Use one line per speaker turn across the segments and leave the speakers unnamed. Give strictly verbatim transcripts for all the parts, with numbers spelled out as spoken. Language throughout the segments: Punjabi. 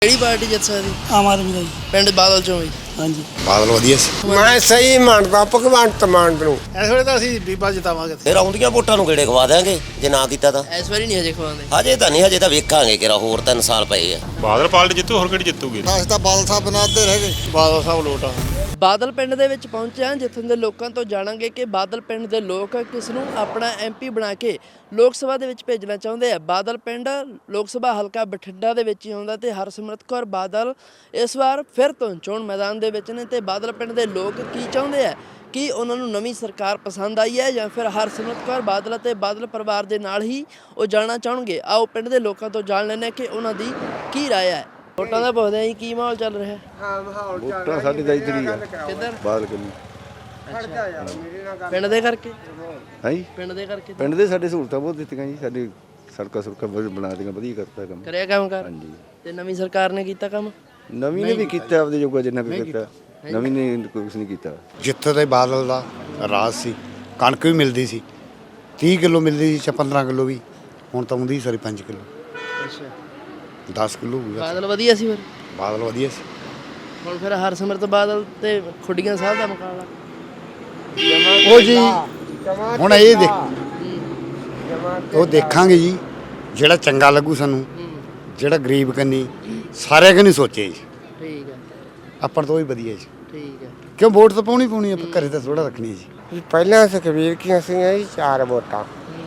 ਕਿਹੜੀ ਪਾਰਟੀ ਜਿੱਤ ਸਕਦੀ?
ਆਮ ਆਦਮੀ ਦਾ ਜੀ।
ਪਿੰਡ ਬਾਦਲ ਚੋਂ ਵੀ।
ਹਾਂਜੀ
ਬਾਦਲ ਵਧੀਆ ਸੀ।
ਮੈਂ ਸਹੀ ਮੰਨਦਾ ਭਗਵੰਤ ਮਾਨ ਨੂੰ।
ਇਸ ਵੇਲੇ ਤਾਂ ਅਸੀਂ ਬੀਬਾ ਜਿਤਾਵਾਂਗੇ।
ਫਿਰ ਆਉਂਦੀਆਂ ਵੋਟਾਂ ਨੂੰ ਕਿਹੜੇ ਖਵਾ ਦਿਆਂਗੇ ਜੇ ਨਾ ਕੀਤਾ ਤਾਂ।
ਇਸ ਵਾਰੀ ਨਹੀਂ ਹਜੇ ਖਵਾਉਂਦੇ।
ਹਜੇ ਤਾਂ ਨਹੀਂ, ਹਜੇ ਤਾਂ ਵੇਖਾਂਗੇ ਕਿਹੜਾ ਹੋਰ ਤਿੰਨ ਸਾਲ ਪਏ ਆ।
ਬਾਦਲ ਪਾਰਟੀ ਜਿੱਤੂ, ਹੋਰ ਕਿਹੜੀ ਜਿੱਤੂਗੀ?
ਅਸੀਂ ਤਾਂ ਬਾਦਲ ਸਾਹਿਬ ਬਣਾਦੇ ਰਹਿ ਗਏ।
ਬਾਦਲ ਸਾਹਿਬ ਲੋਟ ਆ।
ਬਾਦਲ ਪਿੰਡ ਦੇ ਵਿੱਚ ਪਹੁੰਚਿਆ, ਜਿੱਥੋਂ ਦੇ ਲੋਕਾਂ ਤੋਂ ਜਾਣਾਂਗੇ ਕਿ ਬਾਦਲ ਪਿੰਡ ਦੇ ਲੋਕ ਕਿਸ ਨੂੰ ਆਪਣਾ ਐਮਪੀ ਬਣਾ ਕੇ ਲੋਕ ਸਭਾ ਦੇ ਵਿੱਚ ਭੇਜਣਾ ਚਾਹੁੰਦੇ ਆ। ਬਾਦਲ ਪਿੰਡ ਲੋਕ ਸਭਾ ਹਲਕਾ ਬਠਿੰਡਾ ਦੇ ਵਿੱਚ ਹੀ ਆਉਂਦਾ ਤੇ ਹਰਸਿਮਰਤ ਕੌਰ ਬਾਦਲ ਇਸ ਵਾਰ ਫਿਰ ਤੋਂ ਚੋਣ ਮੈਦਾਨ ਦੇ ਵਿੱਚ ਨੇ। ਤੇ ਬਾਦਲ ਪਿੰਡ ਦੇ ਲੋਕ ਕੀ ਚਾਹੁੰਦੇ ਆ? ਕੀ ਉਹਨਾਂ ਨੂੰ ਨਵੀਂ ਸਰਕਾਰ ਪਸੰਦ ਆਈ ਹੈ ਜਾਂ ਫਿਰ ਹਰਸਿਮਰਤ ਕੌਰ ਬਾਦਲ ਅਤੇ ਬਾਦਲ ਪਰਿਵਾਰ ਦੇ ਨਾਲ ਹੀ ਉਹ ਜਾਣਾ ਚਾਹਣਗੇ? ਆਓ ਪਿੰਡ ਦੇ ਲੋਕਾਂ ਤੋਂ ਜਾਣ ਲੈਂਦੇ ਹਾਂ ਕਿ ਉਹਨਾਂ ਦੀ ਕੀ ਰਾਏ ਹੈ। ਵੋਟਾਂ ਦਾ ਪੁੱਛਦੇ ਆ ਜੀ, ਕੀ ਮਾਹੌਲ ਚੱਲ ਰਿਹਾ?
ਹਾਂ ਮਾਹੌਲ
ਵੋਟਾਂ ਸਾਡੀ ਤਾਂ ਇੱਧਰ ਹੀ ਆ,
ਕਿੱਧਰ?
ਬਾਦਲ ਕਲੀ।
ਪਿੰਡ ਦੇ ਕਰਕੇ?
ਹੈ ਜੀ,
ਪਿੰਡ ਦੇ ਕਰਕੇ
ਪਿੰਡ ਦੇ ਸਾਡੇ ਸਹੂਲਤਾਂ ਬਹੁਤ ਦਿੱਤੀਆਂ ਜੀ। ਸਾਡੀ ਸੜਕਾਂ ਸੁੜਕਾਂ ਬਹੁਤ ਬਣਾ ਦਿੱਤੀਆਂ, ਵਧੀਆ ਕਰਤਾ ਕੰਮ।
ਕਰਿਆ ਕੰਮ ਕਰ?
ਹਾਂਜੀ।
ਤੇ ਨਵੀਂ ਸਰਕਾਰ ਨੇ ਕੀਤਾ ਕੰਮ?
ਨਵੀਂ ਨੇ ਵੀ ਕੀਤਾ ਆਪਦੇ ਜੋਗਾ ਜਿੰਨਾ ਕੁ ਕੀਤਾ, ਨਵੀਂ ਨੇ ਕੁਛ ਨਹੀਂ ਕੀਤਾ।
ਜਿੱਥੇ ਤੇ ਬਾਦਲ ਦਾ ਰਾਜ ਸੀ, ਕਣਕ ਵੀ ਮਿਲਦੀ ਸੀ, ਤੀਹ ਕਿਲੋ ਮਿਲਦੀ ਸੀ, ਪੰਦਰਾਂ ਕਿਲੋ ਵੀ। ਹੁਣ ਤਾਂ ਆਉਂਦੀ ਸਾਰੀ ਪੰਜ ਕਿਲੋ,
ਅੱਛਾ
ਦਸ ਕਿਲੋ ਵੀ।
ਬਾਦਲ ਵਧੀਆ ਸੀ ਫਿਰ?
ਬਾਦਲ ਵਧੀਆ ਸੀ।
ਹੁਣ ਫਿਰ ਹਰਸਿਮਰਤ ਬਾਦਲ ਤੇ ਖੁੱਡੀਆਂ ਸਾਹਿਬ ਦਾ ਮੁਕਾਬਲਾ।
ਉਹ ਜੀ ਹੁਣ ਇਹ ਦੇਖ ਉਹ ਦੇਖਾਂਗੇ ਜੀ, ਜਿਹੜਾ ਚੰਗਾ ਲੱਗੂ ਸਾਨੂੰ, ਜਿਹੜਾ ਗਰੀਬ ਕੰਨੀ ਸਾਰਿਆਂ ਕਨੀ ਸੋਚੇ ਜੀ।
ਠੀਕ ਹੈ,
ਆਪਾਂ ਤੋਂ ਹੀ ਵਧੀਆ ਜੀ।
ਠੀਕ ਹੈ।
ਕਿਉਂ ਵੋਟ ਤਾਂ ਪਾਉਣੀ ਪਾਉਣੀ, ਆਪਾਂ ਘਰੇ ਤਾਂ ਥੋੜਾ ਰੱਖਣੀ ਜੀ।
ਪਹਿਲਾਂ ਸੁਖਬੀਰ ਕੀਆਂ ਸੀਗੀਆਂ ਜੀ ਚਾਰ ਵੋਟਾਂ,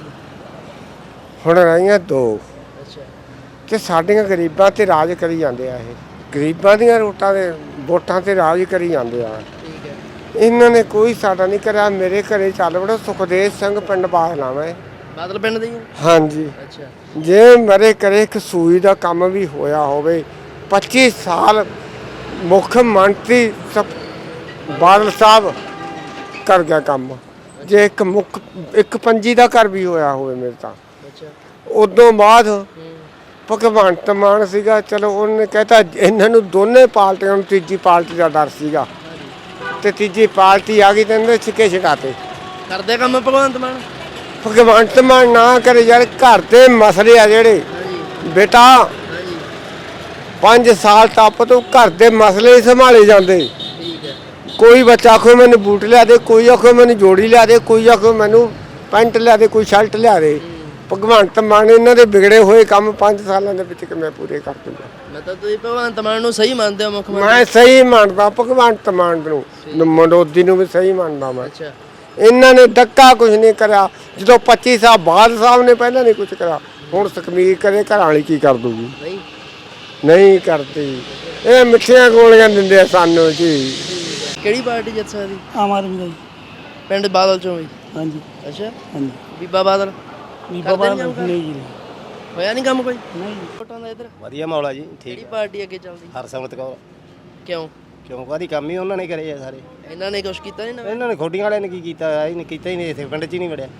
ਹੁਣ ਰਹੀਆਂ ਦੋ।
ਅੱਛਾ
ਤੇ ਸਾਡੀਆਂ ਗਰੀਬਾਂ ਤੇ ਰਾਜ ਕਰੀ ਜਾਂਦੇ ਆ। ਇਹ ਗਰੀਬਾਂ ਦੀਆਂ ਵੋਟਾਂ ਦੇ ਵੋਟਾਂ ਤੇ ਰਾਜ ਕਰੀ ਜਾਂਦੇ ਆ।
ਠੀਕ ਹੈ।
ਇਹਨਾਂ ਨੇ ਕੋਈ ਸਾਡਾ ਨਹੀਂ ਕਰਿਆ। ਮੇਰੇ ਘਰੇ ਚੱਲ ਵੜੋ, ਸੁਖਦੇਵ ਸਿੰਘ ਪਿੰਡ ਬਾਹਲਾ ਮੈਂ।
ਬਾਦਲ ਪਿੰਡ ਦੇ ਹੀ ਹੋ?
ਹਾਂਜੀ।
ਅੱਛਾ।
ਜੇ ਮੇਰੇ ਘਰੇ ਇੱਕ ਸੂਈ ਦਾ ਕੰਮ ਵੀ ਹੋਇਆ ਹੋਵੇ, ਪੱਚੀ ਸਾਲ ਮੁੱਖ ਮੰਤਰੀ ਸਭ ਬਾਦਲ ਸਾਹਿਬ ਕਰ ਗਿਆ ਕੰਮ। ਜੇ ਇੱਕ ਮੁੱਖ ਇੱਕ ਪੰਜੀ ਦਾ ਘਰ ਵੀ ਹੋਇਆ ਹੋਵੇ ਮੇਰੇ ਤਾਂ।
ਅੱਛਾ।
ਉਦੋਂ ਬਾਅਦ ਭਗਵੰਤ ਮਾਨ ਸੀਗਾ, ਚਲੋ ਉਹਨੇ ਕਹਿਤਾ ਇਹਨਾਂ ਨੂੰ ਦੋਨੇ ਪਾਰਟੀਆਂ ਨੂੰ ਤੀਜੀ ਪਾਰਟੀ ਦਾ ਡਰ ਸੀਗਾ, ਤੇ ਤੀਜੀ ਪਾਰਟੀ ਆ ਗਈ ਤੇ ਇਹਨੇ ਛਿੱਕੇ ਛਡਾਤੇ।
ਕਰਦੇ ਕੰਮ ਭਗਵੰਤ ਮਾਨ?
ਭਗਵੰਤ ਮਾਨ ਨਾ ਕਰੇ ਯਾਰ, ਘਰ ਦੇ ਮਸਲੇ ਆ ਜਿਹੜੇ ਬੇਟਾ
ਹਾਂਜੀ।
ਪੰਜ ਸਾਲ ਟੱਪ ਤੋਂ ਘਰ ਦੇ ਮਸਲੇ ਹੀ ਸੰਭਾਲੇ ਜਾਂਦੇ।
ਠੀਕ ਹੈ।
ਕੋਈ ਬੱਚਾ ਆਖੋ ਮੈਨੂੰ ਬੂਟ ਲਿਆ ਦੇ, ਕੋਈ ਆਖੋ ਮੈਨੂੰ ਜੋੜੀ ਲਿਆ ਦੇ, ਕੋਈ ਆਖੋ ਮੈਨੂੰ ਪੈਂਟ ਲਿਆ ਦੇ, ਕੋਈ ਸ਼ਰਟ ਲਿਆ ਦੇ। ਭਗਵੰਤ ਮਾਨ ਇਹਨਾਂ ਦੇ ਵਿਗੜੇ ਹੋਏ ਕੰਮ ਪੰਜ ਸਾਲਾਂ ਦੇ ਵਿੱਚ ਕਿਵੇਂ ਪੂਰੇ ਕਰ ਦੂੰਗਾ?
ਮਤਲਬ ਤੁਸੀਂ ਭਗਵੰਤ ਮਾਨ ਨੂੰ ਸਹੀ ਮੰਨਦੇ ਹੋ ਮੁੱਖ ਮੰਤਰੀ?
ਮੈਂ ਸਹੀ ਮੰਨਦਾ ਭਗਵੰਤ ਮਾਨ ਨੂੰ, ਮਨੋਦੀ ਨੂੰ ਵੀ ਸਹੀ ਮੰਨਦਾ ਮੈਂ।
ਅੱਛਾ।
ਇਹਨਾਂ ਨੇ ਡੱਕਾ ਕੁਝ ਨਹੀਂ ਕਰਿਆ। ਜਦੋਂ ਪੱਚੀ ਸਾਲ ਬਾਅਦ ਸਾਹਿਬ ਨੇ ਪਹਿਲਾਂ ਨਹੀਂ ਕੁਝ ਕਰਿਆ, ਹੁਣ ਸੁਖਬੀਰ ਕਰੇ ਘਰ ਵਾਲੀ ਕੀ ਕਰ ਦੂਗੀ?
ਨਹੀਂ
ਨਹੀਂ ਕਰਦੀ। ਇਹ ਮਿੱਠੀਆਂ ਗੋਲੀਆਂ ਦਿੰਦੇ ਆ ਸਾਨੂੰ ਜੀ।
ਕਿਹੜੀ ਪਾਰਟੀ ਜਿੱਤ ਸਕਦੀ?
ਆਮ ਆਦਮੀ ਦਾ ਜੀ।
ਪਿੰਡ ਬਾਦਲ ਚੋਂ ਵੀ?
ਹਾਂਜੀ
ਅੱਛਾ।
ਹਾਂਜੀ।
ਬੀਬਾ ਬਾਦਲ
ਬੀਬਾ
ਕਰਦੇ ਨੀ
ਬਾਦਲ
ਕੰਮ?
ਨਹੀਂ ਜੀ।
ਹੋਇਆ ਨਹੀਂ ਕੰਮ ਕੋਈ?
ਨਹੀਂ।
ਵੋਟਾਂ ਦਾ ਇੱਧਰ
ਵਧੀਆ ਮੌਲਾ ਜੀ,
ਕਿਹੜੀ ਪਾਰਟੀ ਅੱਗੇ ਚੱਲਦੀ?
ਹਰਸਿਮਰਤ ਕੌਰ।
ਕਿਉਂ?
ਕਿਉਂ ਕਾਹਦੀ ਕੰਮ ਹੀ ਉਹਨਾਂ ਨੇ ਕਰੇ ਆ ਸਾਰੇ।
ਇਹਨਾਂ ਨੇ ਕੁਛ ਕੀਤਾ ਨਹੀਂ ਨਵੇਂ?
ਇਹਨਾਂ ਨੇ ਖੋਡੀਆਂ ਵਾਲਿਆਂ ਨੇ ਕੀ ਕੀਤਾ? ਇਹ ਨਹੀਂ ਕੀਤਾ ਹੀ ਨਹੀਂ, ਇੱਥੇ ਪਿੰਡ 'ਚ ਹੀ ਨਹੀਂ ਵੜਿਆ।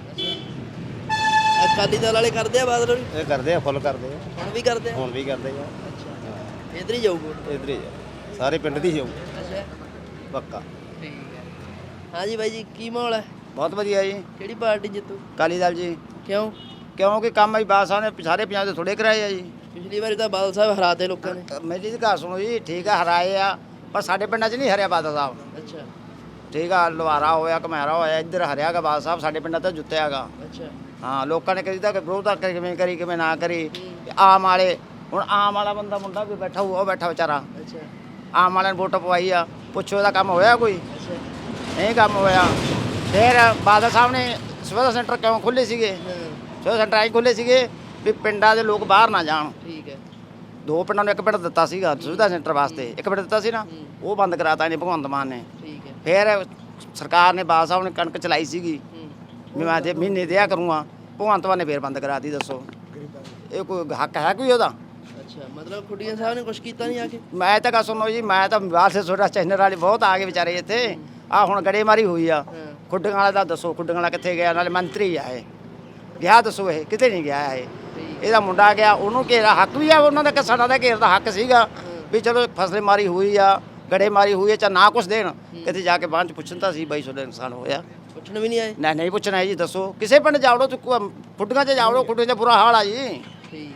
ਅਕਾਲੀ ਦਲ ਵਾਲੇ ਕਰਦੇ ਆ ਬਾਦਲ ਵੀ?
ਇਹ ਕਰਦੇ ਆ, ਫੁੱਲ ਕਰਦੇ ਆ,
ਹੁਣ ਵੀ ਕਰਦੇ ਆ?
ਹੁਣ ਵੀ ਕਰਦੇ ਆ।
ਅੱਛਾ। ਇੱਧਰ ਹੀ ਜਾਊਗਾ?
ਇੱਧਰ ਹੀ ਜਾ, ਸਾਰੇ ਪਿੰਡ ਦੀ ਜਾਊ
ਅੱਛਾ
ਪੱਕਾ।
ਠੀਕ ਹੈ। ਹਾਂਜੀ ਬਾਈ ਜੀ, ਕੀ ਮਾਹੌਲ ਹੈ?
ਬਹੁਤ ਵਧੀਆ ਜੀ।
ਕਿਹੜੀ ਪਾਰਟੀ ਜਿੱਤੂ?
ਅਕਾਲੀ ਦਲ ਜੀ।
ਕਿਉਂ?
ਕਿਉਂਕਿ ਕੰਮ ਆਈ ਬਾਦ ਸਾਹਿਬ ਨੇ ਸਾਰੇ ਪੰਜਾਬ ਦੇ ਥੋੜੇ ਕਰਾਏ ਆ ਜੀ।
ਪਿਛਲੀ ਵਾਰੀ ਤਾਂ ਬਾਦਲ ਸਾਹਿਬ ਹਰਾਤੇ ਲੋਕਾਂ ਨੇ।
ਮੇਰੀ ਦੀ ਗੱਲ ਸੁਣੋ ਜੀ, ਠੀਕ ਆ ਹਰਾਏ ਆ, ਪਰ ਸਾਡੇ ਪਿੰਡਾਂ 'ਚ ਨਹੀਂ ਹਰਿਆ ਬਾਦਲ ਸਾਹਿਬ।
ਅੱਛਾ।
ਠੀਕ ਆ, ਲਵਾਰਾ ਹੋਇਆ, ਘਮੈਰਾ ਹੋਇਆ, ਇੱਧਰ ਹਰਿਆਗਾ ਬਾਦਲ ਸਾਹਿਬ, ਸਾਡੇ ਪਿੰਡਾਂ ਤਾਂ ਜੁੱਤਿਆਗਾ।
ਅੱਛਾ।
ਹਾਂ, ਲੋਕਾਂ ਨੇ ਕਦੀ ਤਾਂ ਵਿਰੋਧ ਕਿਵੇਂ ਕਰੀ ਕਿਵੇਂ ਨਾ ਕਰੀ। ਆਮ ਵਾਲੇ ਹੁਣ ਆਮ ਵਾਲਾ ਬੰਦਾ ਮੁੰਡਾ ਵੀ ਬੈਠਾ ਹੋਊ, ਉਹ ਬੈਠਾ ਵਿਚਾਰਾ।
ਅੱਛਾ।
ਆਮ ਵਾਲਿਆਂ ਨੇ ਵੋਟ ਪਵਾਈ ਆ, ਪੁੱਛੋ ਇਹਦਾ ਕੰਮ ਹੋਇਆ ਕੋਈ?
ਅੱਛਾ।
ਨਹੀਂ ਕੰਮ ਹੋਇਆ। ਫਿਰ ਬਾਦਲ ਸਾਹਿਬ ਨੇ ਸਿਵਲ ਸੈਂਟਰ ਕਿਉਂ ਖੋਲ੍ਹੇ ਸੀਗੇ? ਸਿਵਲ ਸੈਂਟਰ ਆਈ ਖੋਲ੍ਹੇ ਸੀਗੇ ਵੀ ਪਿੰਡਾਂ ਦੇ ਲੋਕ ਬਾਹਰ ਨਾ ਜਾਣ।
ਠੀਕ ਹੈ।
ਦੋ ਪਿੰਡਾਂ ਨੂੰ ਇੱਕ ਪਿੰਡ ਦਿੱਤਾ ਸੀਗਾ ਸੁਵਿਧਾ ਸੈਂਟਰ ਵਾਸਤੇ, ਇੱਕ ਪਿੰਡ ਦਿੱਤਾ ਸੀ ਨਾ, ਉਹ ਬੰਦ ਕਰਾਤਾ ਇਹਨੇ ਭਗਵੰਤ ਮਾਨ ਨੇ।
ਠੀਕ ਹੈ।
ਫਿਰ ਸਰਕਾਰ ਨੇ ਬਾਦਲ ਸਾਹਿਬ ਨੇ ਕਣਕ ਚਲਾਈ ਸੀਗੀ ਵੀ ਮੈਂ ਜੇ ਮਹੀਨੇ ਦਿਆ ਕਰੂੰਗਾ, ਭਗਵੰਤ ਮਾਨ ਨੇ ਫਿਰ ਬੰਦ ਕਰਾਤੀ। ਦੱਸੋ ਇਹ ਕੋਈ ਹੱਕ ਹੈ ਕੋਈ ਉਹਦਾ?
ਅੱਛਾ, ਮਤਲਬ ਖੁੱਡੀਆਂ ਸਾਹਿਬ ਨੇ ਕੁਛ ਕੀਤਾ ਨਹੀਂ ਆ ਕੇ?
ਮੈਂ ਤਾਂ ਗੱਲ ਸੁਣੋ ਜੀ, ਮੈਂ ਤਾਂ ਬਾਹਰ ਸੇ ਛੋਟਾ ਚੈਨਲ ਵਾਲੇ ਬਹੁਤ ਆ ਗਏ ਵਿਚਾਰੇ ਇੱਥੇ। ਆ ਹੁਣ ਗੜੇਮਾਰੀ ਹੋਈ ਆ ਖੁੱਡੀਆਂ ਵਾਲਾ ਦਾ, ਦੱਸੋ ਖੁੱਡੀਆਂ ਵਾਲਾ ਕਿੱਥੇ ਗਿਆ? ਨਾਲੇ ਮੰਤਰੀ ਆ ਇਹ ਗਿਆ, ਦੱਸੋ ਇਹ ਕਿਤੇ ਨਹੀਂ ਗਿਆ। ਇਹ ਇਹਦਾ ਮੁੰਡਾ ਗਿਆ, ਉਹਨੂੰ ਘੇਰਾ ਹੱਕ ਵੀ ਆ ਉਹਨਾਂ ਦਾ, ਕਿ ਸਾਡਾ ਤਾਂ ਘੇਰ ਦਾ ਹੱਕ ਸੀਗਾ ਵੀ ਚਲੋ ਫਸਲੇ ਮਾਰੀ ਹੋਈ ਆ, ਗੜੇਮਾਰੀ ਹੋਈ ਆ, ਚਾਹੇ ਨਾ ਕੁਛ ਦੇਣ, ਕਿਤੇ ਜਾ ਕੇ ਬਾਅਦ 'ਚ ਪੁੱਛਣ ਤਾਂ ਸੀ ਬਾਈ ਤੁਹਾਡਾ ਨੁਕਸਾਨ ਹੋਇਆ।
ਪੁੱਛਣ ਵੀ ਨਹੀਂ ਆਏ?
ਨਹੀਂ ਨਹੀਂ ਪੁੱਛਣਾ ਜੀ। ਦੱਸੋ ਕਿਸੇ ਪਿੰਡ ਜਾਵੜੋ, ਖੁੱਡੀਆਂ 'ਚ ਜਾਵੜੋ, ਖੁੱਡੀਆਂ 'ਚ ਬੁਰਾ ਹਾਲ ਆ ਜੀ।
ਠੀਕ ਹੈ।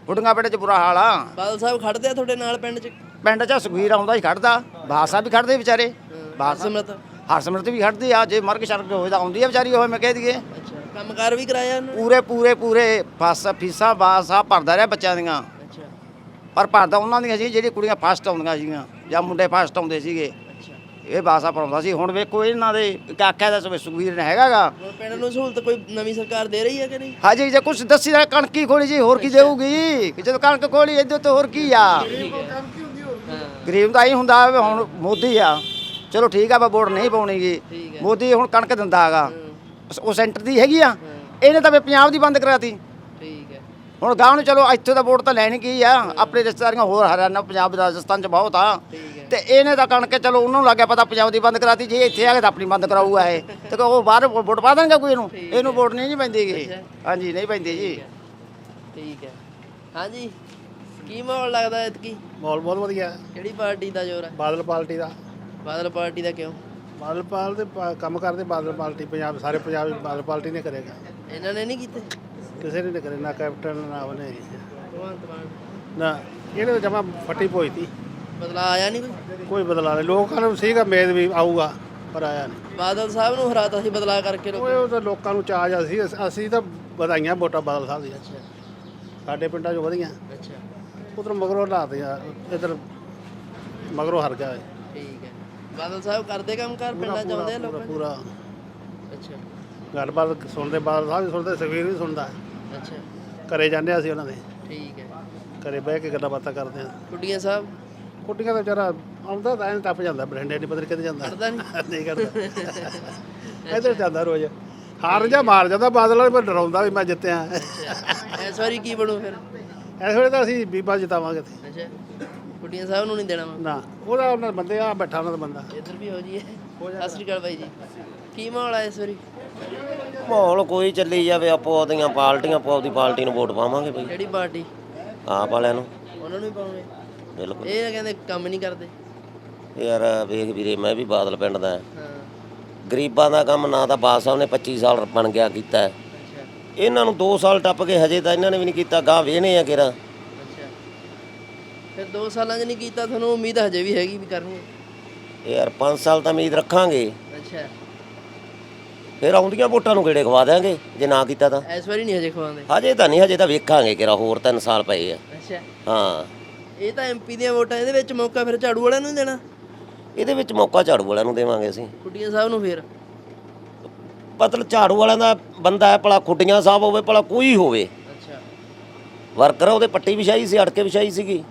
ਖੁੱਡੀਆਂ ਪਿੰਡ 'ਚ ਬੁਰਾ ਹਾਲ ਆ।
ਬਾਦਲ ਸਾਹਿਬ ਖੜਦੇ ਆ ਤੁਹਾਡੇ ਨਾਲ ਪਿੰਡ 'ਚ?
ਪਿੰਡ 'ਚ ਸੁਖਵੀਰ ਆਉਂਦਾ ਹੀ ਖੜਦਾ, ਬਾਦਸ਼ਾਹ ਵੀ ਖੜਦੇ ਵਿਚਾਰੇ, ਬਾਦਸ਼ਾਹ
ਸਿਮਰਤ
ਹਰਸਿਮਰਤ ਵੀ ਖੜਦੀ ਆ। ਜੇ ਮਰਗ ਸ਼ਰਕ ਹੋਵੇ ਤਾਂ ਆਉਂਦੀ ਆ ਵਿਚਾਰੀ, ਉਹ ਮੈਂ ਕਹਿ ਦਈਏ।
ਅੱਛਾ ਕੰਮਕਾਰ ਵੀ ਕਰਾਇਆ ਉਹਨੇ?
ਪੂਰੇ ਪੂਰੇ ਪੂਰੇ ਫਸ ਫੀਸਾਂ ਬਾਦਸ਼ਾਹ ਭਰਦਾ ਰਿਹਾ ਬੱਚਿਆਂ ਦੀਆਂ,
ਅੱਛਾ
ਪਰ ਭਰਦਾ ਉਹਨਾਂ ਦੀਆਂ ਸੀ ਜਿਹੜੀ ਕੁੜੀਆਂ ਫਸਟ ਆਉਂਦੀਆਂ ਸੀਗੀਆਂ ਜਾਂ ਮੁੰਡੇ ਫਸਟ ਆਉਂਦੇ ਸੀਗੇ,
ਅੱਛਾ।
ਇਹ ਬਾਦਸ਼ਾਹ ਭਰਾਉਂਦਾ ਸੀ। ਹੁਣ ਵੇਖੋ ਇਹਨਾਂ ਦੇ ਕਾਕਾ ਦਾ ਸੁਖਵੀਰ ਨੇ ਹੈਗਾਗਾ।
ਹੁਣ ਪਿੰਡ ਨੂੰ ਸਹੂਲਤ ਕੋਈ ਨਵੀਂ ਸਰਕਾਰ ਦੇ ਰਹੀ ਹੈ ਕਿ ਨਹੀਂ?
ਹਾਂਜੀ ਜੇ ਕੁਛ ਦੱਸੀ ਦਾ ਕਣਕੀ ਖੋਲੀ ਜੀ, ਹੋਰ ਕੀ ਦੇਊਗੀ? ਕਿ ਜਦੋਂ ਕਣਕ ਖੋਲੀ ਇਹਦੇ ਤੋਂ ਹੋਰ ਕੀ ਆ? ਗਰੀਬ ਦਾ ਹੀ ਹੁੰਦਾ ਵੀ ਹੁਣ ਮੋਦੀ ਆ, ਚਲੋ ਠੀਕ ਆ, ਆਪਾਂ ਵੋਟ ਨਹੀਂ ਪਾਉਣੀਗੀ। ਮੋਦੀ ਹੁਣ ਕਣਕ ਦਿੰਦਾ ਹੈਗਾ, ਉਹ ਸੈਂਟਰ ਦੀ ਹੈਗੀ ਆ, ਇਹਨੇ ਤਾਂ ਵੀ ਪੰਜਾਬ ਦੀ ਬੰਦ ਕਰਾਤੀ।
ਠੀਕ ਹੈ।
ਹੁਣ ਗਾਂਵ ਨੂੰ ਚਲੋ ਇੱਥੋਂ ਦਾ ਵੋਟ ਤਾਂ ਲੈਣੀ ਕੀ ਆ, ਆਪਣੇ ਰਿਸ਼ਤੇਦਾਰੀਆਂ ਹੋਰ ਹਰਿਆਣਾ ਪੰਜਾਬ ਰਾਜਸਥਾਨ ਚ ਬਹੁਤ ਆ, ਤੇ ਇਹਨੇ ਤਾਂ ਕਣਕ ਚਲੋ ਉਹਨੂੰ ਲੱਗਿਆ ਪਤਾ ਪੰਜਾਬ ਦੀ ਬੰਦ ਕਰਾਤੀ, ਜੇ ਇੱਥੇ ਆ ਕੇ ਤਾਂ ਆਪਣੀ ਬੰਦ ਕਰਾਊਗਾ ਇਹ, ਤੇ ਉਹ ਬਾਹਰ ਵੋਟ ਪਾ ਦੇਣਗੇ ਕੋਈ ਇਹਨੂੰ? ਇਹਨੂੰ ਵੋਟ ਨਹੀਂ ਜੀ ਪੈਂਦੀ ਗੀ। ਹਾਂਜੀ ਨਹੀਂ ਪੈਂਦੀ ਜੀ।
ਠੀਕ ਹੈ। ਹਾਂਜੀ ਕੀ ਮਾਹੌਲ ਲੱਗਦਾ ਐਤਕੀ?
ਮਾਹੌਲ ਬਹੁਤ ਵਧੀਆ ਹੈ।
ਕਿਹੜੀ ਪਾਰਟੀ ਦਾ ਜ਼ੋਰ ਹੈ?
ਬਾਦਲ ਪਾਰਟੀ ਦਾ।
ਬਾਦਲ ਪਾਰਟੀ ਦਾ ਕਿਉਂ?
ਬਾਦਲ ਪਾਲ ਦੇ ਪਾ- ਕੰਮ ਕਰਦੇ ਬਾਦਲ ਪਾਰਟੀ, ਪੰਜਾਬ ਸਾਰੇ ਪੰਜਾਬ ਵਿੱਚ ਬਾਦਲ ਪਾਰਟੀ ਨੇ ਕਰੇਗਾ।
ਇਹਨਾਂ ਨੇ ਨਹੀਂ ਕੀਤੇ?
ਕਿਸੇ ਨੇ ਨਹੀਂ ਕਰੇ, ਨਾ ਕੈਪਟਨ ਨਾ ਉਹਨੇ,
ਭਗਵੰਤ ਮਾਨ
ਨਾ ਇਹਨੇ ਤਾਂ ਜਮਾ ਫੱਟੀ ਪੋਈ ਤੀ।
ਬਦਲਾ ਆਇਆ ਨਹੀਂ ਕੋਈ?
ਕੋਈ ਬਦਲਾ ਨਹੀਂ। ਲੋਕਾਂ ਨੂੰ ਸੀਗਾ ਉਮੀਦ ਵੀ ਆਊਗਾ, ਪਰ ਆਇਆ ਨਹੀਂ।
ਬਾਦਲ ਸਾਹਿਬ ਨੂੰ ਹਰਾਤਾ ਸੀ ਬਦਲਾ ਕਰਕੇ ਲੋਕ।
ਉਹ ਉਹ ਤਾਂ ਲੋਕਾਂ ਨੂੰ ਚਾਅ ਜਾ ਸੀ, ਅਸ- ਅਸੀਂ ਤਾਂ ਵਧਾਈਆਂ ਵੋਟਾਂ ਬਾਦਲ ਸਾਹਿਬ ਦੀਆਂ। ਸਾਡੇ ਪਿੰਡਾਂ 'ਚ ਵਧੀਆਂ,
ਅੱਛਾ
ਉਧਰ ਮਗਰੋਂ ਲਾਤੇ ਆ, ਇੱਧਰ ਮਗਰੋਂ ਹਰ ਗਿਆ।
ਠੀਕ ਹੈ। ਬਾਦਲ ਸਾਹਿਬ ਕਰਦੇ ਕੰਮ ਕਰ ਪਿੰਡਾਂ ਚ ਆਉਂਦੇ ਆ
ਪੂਰਾ
ਲੋਕਾਂ ਚ?
ਪੂਰਾ
ਅੱਛਾ
ਗੱਲਬਾਤ ਸੁਣਦੇ, ਬਾਦਲ ਸਾਹਿਬ ਵੀ ਸੁਣਦੇ, ਸੁਖਬੀਰ ਵੀ ਸੁਣਦਾ।
ਅੱਛਾ
ਘਰੇ ਜਾਂਦੇ ਅਸੀਂ ਉਹਨਾਂ ਦੇ,
ਠੀਕ ਹੈ।
ਘਰੇ ਬਹਿ ਕੇ ਗੱਲਾਂ ਬਾਤਾਂ ਕਰਦੇ ਆ।
ਕੁੱਡੀਆਂ ਸਾਹਿਬ
ਕੁੱਟੀਆਂ ਦਾ ਵਿਚਾਰਾ ਆਉਂਦਾ ਤਾਂ ਐਂ ਟੱਪ ਜਾਂਦਾ, ਬਰਿੰਡੇ ਨਹੀਂ ਪਤਾ ਕਿੱਥੇ ਜਾਂਦਾ।
ਕਰਦਾ ਨਹੀਂ?
ਨਹੀਂ ਕਰਦਾ, ਇੱਧਰ ਜਾਂਦਾ ਰੋਜ਼, ਹਾਰ ਜਾ ਮਾਰ ਜਾਂਦਾ ਬਾਦਲ ਵਾਲੇ, ਪਰ ਡਰਾਉਂਦਾ ਵੀ ਮੈਂ ਜਿੱਤਿਆ।
ਇਸ ਵਾਰੀ ਕੀ ਬਣੂ ਫਿਰ?
ਇਸ ਵੇਲੇ ਤਾਂ ਅਸੀਂ ਬੀਬਾ ਜਿਤਾਵਾਂਗੇ।
ਅੱਛਾ ਕੁੱਡੀਆਂ ਸਾਹਿਬ ਨੂੰ ਨਹੀਂ ਦੇਣਾ ਵਾ?
ਨਾ ਉਹਦਾ ਉਹਨਾਂ ਬੰਦੇ ਆ ਬੈਠਾ, ਉਹਨਾਂ ਦਾ ਬੰਦਾ।
ਇੱਧਰ ਵੀ ਹੋ ਜੀ। ਸਤਿ ਸ਼੍ਰੀ ਅਕਾਲ ਬਾਈ ਜੀ। ਕੀ ਮਾਹੌਲ ਆ ਇਸ ਵਾਰੀ?
ਮਾਹੌਲ ਕੋਈ ਚੱਲੀ ਜਾਵੇ, ਆਪੋ ਆਪਦੀਆਂ ਪਾਰਟੀਆਂ, ਆਪੋ ਆਪਦੀ ਪਾਰਟੀ ਨੂੰ ਵੋਟ ਪਾਵਾਂਗੇ ਬਈ।
ਕਿਹੜੀ ਪਾਰਟੀ?
ਆਪ ਵਾਲਿਆਂ ਨੂੰ।
ਉਹਨਾਂ ਨੂੰ ਹੀ ਪਾਉਣੇ?
ਬਿਲਕੁਲ।
ਇਹ ਤਾਂ ਕਹਿੰਦੇ ਕੰਮ ਨਹੀਂ ਕਰਦੇ।
ਯਾਰ ਵੇਖ ਵੀਰੇ, ਮੈਂ ਵੀ ਬਾਦਲ ਪਿੰਡ ਦਾ ਹਾਂ।
ਹਾਂ
ਗਰੀਬਾਂ ਦਾ ਕੰਮ ਨਾ ਤਾਂ ਬਾਦ ਸਾਹਿਬ ਨੇ ਪੱਚੀ ਸਾਲ ਬਣ ਗਿਆ ਕੀਤਾ ਹੈ।
ਅੱਛਾ
ਇਹਨਾਂ ਨੂੰ ਦੋ ਸਾਲ ਟੱਪ ਕੇ ਹਜੇ ਤਾਂ ਇਹਨਾਂ ਨੇ ਵੀ ਨਹੀਂ ਕੀਤਾ, ਗਾਂ ਵੇਹਨੇ ਆ ਕਿਹੜਾ।
ਅੱਛਾ ਫਿਰ ਦੋ ਸਾਲਾਂ 'ਚ ਨਹੀਂ ਕੀਤਾ, ਤੁਹਾਨੂੰ ਉਮੀਦ ਹਜੇ ਵੀ ਹੈਗੀ ਵੀ ਕਰਨਗੇ?
ਯਾਰ ਪੰਜ ਸਾਲ ਤਾਂ ਉਮੀਦ ਰੱਖਾਂਗੇ,
ਅੱਛਾ
ਫਿਰ ਆਉਂਦੀਆਂ ਵੋਟਾਂ ਨੂੰ ਕਿਹੜੇ ਖਵਾ ਦਿਆਂਗੇ ਜੇ ਨਾ ਕੀਤਾ ਤਾਂ।
ਇਸ ਵਾਰੀ ਨਹੀਂ ਹਜੇ ਖਵਾਉਂਦੇ?
ਹਜੇ ਤਾਂ ਨਹੀਂ, ਹਜੇ ਤਾਂ ਵੇਖਾਂਗੇ ਕਿਹੜਾ, ਹੋਰ ਤਿੰਨ ਸਾਲ ਪਏ ਆ।
ਅੱਛਾ
ਹਾਂ
ਇਹ ਤਾਂ ਐਮਪੀ ਦੀਆਂ ਵੋਟਾਂ, ਇਹਦੇ ਵਿੱਚ ਮੌਕਾ ਫਿਰ ਝਾੜੂ ਵਾਲਿਆਂ ਨੂੰ ਹੀ ਦੇਣਾ?
ਇਹਦੇ ਵਿੱਚ ਮੌਕਾ ਝਾੜੂ ਵਾਲਿਆਂ ਨੂੰ ਦੇਵਾਂਗੇ ਅਸੀਂ।
ਕੁੱਡੀਆਂ ਸਾਹਿਬ ਨੂੰ ਫਿਰ?
ਮਤਲਬ ਝਾੜੂ ਵਾਲਿਆਂ ਦਾ ਬੰਦਾ ਹੈ, ਭਲਾ ਖੁੱਡੀਆਂ ਸਾਹਿਬ ਹੋਵੇ, ਭਲਾ ਕੋਈ ਹੋਵੇ,
ਅੱਛਾ
ਵਰਕਰ ਉਹਦੇ ਪੱਟੀ ਵਿਛਾਈ ਸੀ, ਅੜਕੇ ਵਿਛਾਈ ਸੀਗੀ